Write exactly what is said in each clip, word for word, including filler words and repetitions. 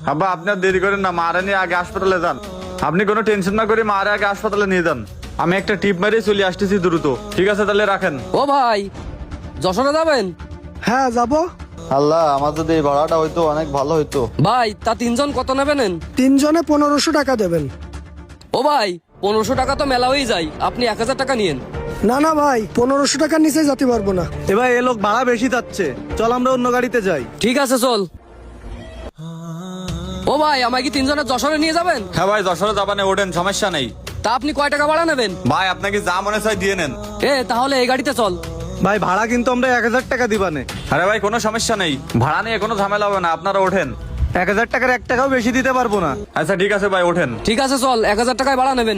আব্বা আপনি আর দেরি করেন না, মারে নিয়ে আগে হাসপাতালে যান। আপনি কোনো টেনশন না করে মারে আগে হাসপাতালে নিয়ে যান। আমি একটা টিপ মারিয়ে চলে আসতেছি দ্রুত। ঠিক আছে তাহলে রাখেন। ও ভাই, যশোরে যাবেন? হ্যাঁ যাবো। আল্লাহ, আমার যদি এই ভাড়াটা হইতো অনেক ভালো হইতো। ভাই তা তিনজন কত নেবেন? তিনজনে পনেরোশো টাকা দেবেন। ও ভাই, পনেরোশো টাকা তো মেলা হয়ে যায়, আপনি এক হাজার টাকা নিয়েন। না না ভাই, পনেরোশো টাকার নিচে যেতে পারবো না। এবার এ লোক ভাড়া বেশি যাচ্ছে, চল আমরা অন্য গাড়িতে যাই। ঠিক আছে চল। ও ভাই, আমায় কি তিনজনের যশোরে নিয়ে যাবেন? হ্যাঁ ভাই, যশোরে যাবানে ওঠেন, সমস্যা নেই। তা আপনি কয় টাকা ভাড়া নেবেন? ভাই আপনাকে যা মনে চাই দিয়ে নেন। এ তাহলে এই গাড়িতে চল। ভাই ভাড়া কিন্তু আমরা এক হাজার টাকা দিবানে। আরে ভাই কোনো সমস্যা নেই, ভাড়া নিয়ে কোনো ঝামেলা হবে না, আপনারা ওঠেন। এক হাজার টাকার এক টাকাও বেশি দিতে পারবো না। আচ্ছা ঠিক আছে ভাই, ওঠেন। ঠিক আছে চল, এক হাজার টাকায় ভাড়া নেবেন।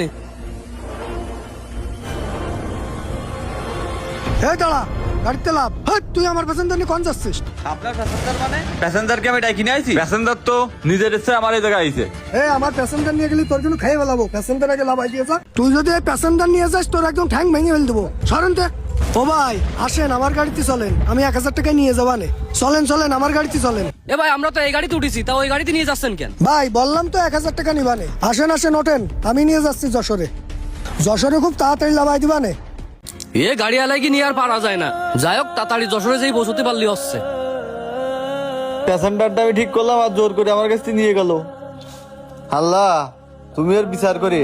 এই দাঁড়া, গাড়িতে লাভ। হ্যাঁ, তুই আমার প্যাসেঞ্জার নিয়ে কোন যাচ্ছিস? আপনার প্যাসেঞ্জার মানে? প্যাসেঞ্জারকে আমি ডাকি নিয়ে আইছি? প্যাসেঞ্জার তো নিজের ইচ্ছে আমার এই জায়গায় আইছে। এ আমার প্যাসেঞ্জার নিয়ে গেলি তোর জন্য খেয়ে ফেলাবো। প্যাসেঞ্জার আগে লাভ আইডিয়া যা। তুই যদি এই প্যাসেঞ্জার নিয়ে যাস তোর একদম ঠ্যাং ভেঙে ফেল দেবো। সরেন তে। ও ভাই আসেন, আমার গাড়িতে চলেন, আমি এক হাজার টাকায় নিয়ে যাবানে। চলেন চলেন, আমার গাড়িতে চলেন। এ ভাই, আমরা তো এই গাড়িতে উঠেছি, তা ওই গাড়িতে নিয়ে যাচ্ছেন কেন? ভাই বললাম তো এক হাজার টাকা নিবানে। আসেন আসেন ওঠেন, আমি নিয়ে যাচ্ছি যশোরে। যশোরে খুব তাড়াতাড়ি লাভাই দিবানে। এ গাড়ি আলাই কি নিয়ে আর পারা যায় না। যাই হোক, তাড়াতাড়ি যশোরে যেই পৌঁছতে পারলি হচ্ছে। প্যাসেঞ্জারটা আমি ঠিক করলাম আর জোর করে আমার কাছে নিয়ে গেল। আল্লাহ তুমি এর বিচার করে।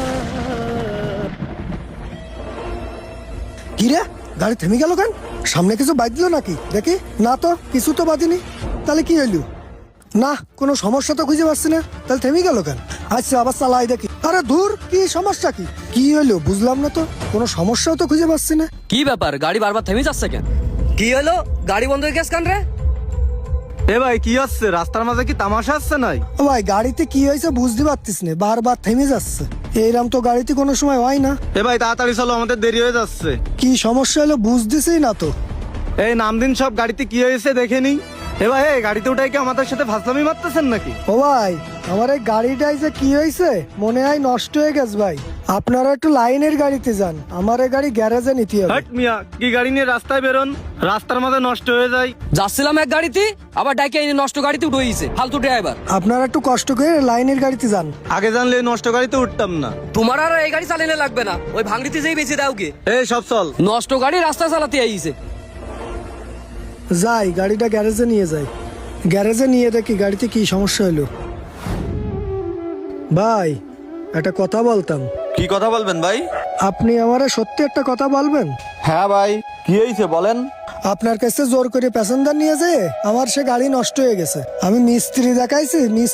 কি রে, গাড়ি থেমে গেল কেন? সামনে কিছু বাজলো নাকি দেখি? না তো, কিছু তো বাজিনি। তাহলে কি হইলো? না, কোনো সমস্যা তো খুঁজে পাচ্ছি না। তাহলে থেমে গেল কেন? আচ্ছা আবার চালাই দেখি। আরে ধুর, কি সমস্যা? কি কি হইলো বুঝলাম না তো, কোনো সমস্যাও তো খুঁজে পাচ্ছি না। কি ব্যাপার, গাড়ি বারবার থেমে যাচ্ছে কেন? কি হলো, গাড়ি বন্ধ হয়ে গেছে কেন রে? এ ভাই কি হচ্ছে, রাস্তার মাঝে কি তামাশা আসছে নাই? ও ভাই, গাড়িতে কি হয়েছে বুঝতে পারতিস না, বারবার থেমে যাচ্ছে। এইরকম তো গাড়িতে কোনো সময় হয় না। এ ভাই তাড়াতাড়ি চলো, আমাদের দেরি হয়ে যাচ্ছে। কি সমস্যা হলো বুঝতেছেই না তো। এই নাম দিন সব গাড়িতে কি হয়েছে দেখে নি। এ ভাই এই গাড়িতে উঠাই কি আমাদের সাথে ফাজলামি মারতেছেন নাকি? ও ভাই, আমার এই গাড়িটাই যে কি হয়েছে মনে হয় নষ্ট হয়ে গেছে ভাই। আপনারা একটু লাইনের গাড়িতে যান, আমার এই গাড়ি গ্যারেজে নিতে হবে। হট মিয়া, কি গাড়ি নিয়ে রাস্তায় বেরোন, রাস্তার মাঝে নষ্ট হয়ে যায়। যাচ্ছিলাম এক গাড়িতে, আবার ডাইকে এনে নষ্ট গাড়িতে উঠে গেছে, ফালতু ড্রাইভার। আপনারা একটু কষ্ট করে লাইনের গাড়িতে যান। আগে জানলে এই নষ্ট গাড়িতে উঠতাম না। তোমার আর এই গাড়ি চালানো লাগবে না, ওই ভাঙড়িতে যেই বেঁচে দাও গে। এই সব চল। নষ্ট গাড়ি রাস্তা চালাতে আইছে। যাই, গাড়িটা গ্যারেজে নিয়ে যাই। গ্যারেজে নিয়ে দেখি গাড়িতে কি সমস্যা হলো। ভাই একটা কথা বলতাম। কি কথা বলবেন ভাই? আপনি আমারে সত্যি একটা কথা বলবেন? হ্যাঁ ভাই, কি হয়েছে বলেন। আপনার কাছে জোর করে প্যাসেঞ্জার নিয়ে যেয়ে আমার সে গাড়ি নষ্ট হয়ে গেছে। আমি মিস্ত্রি দেখাইছি, মিস্ত্রি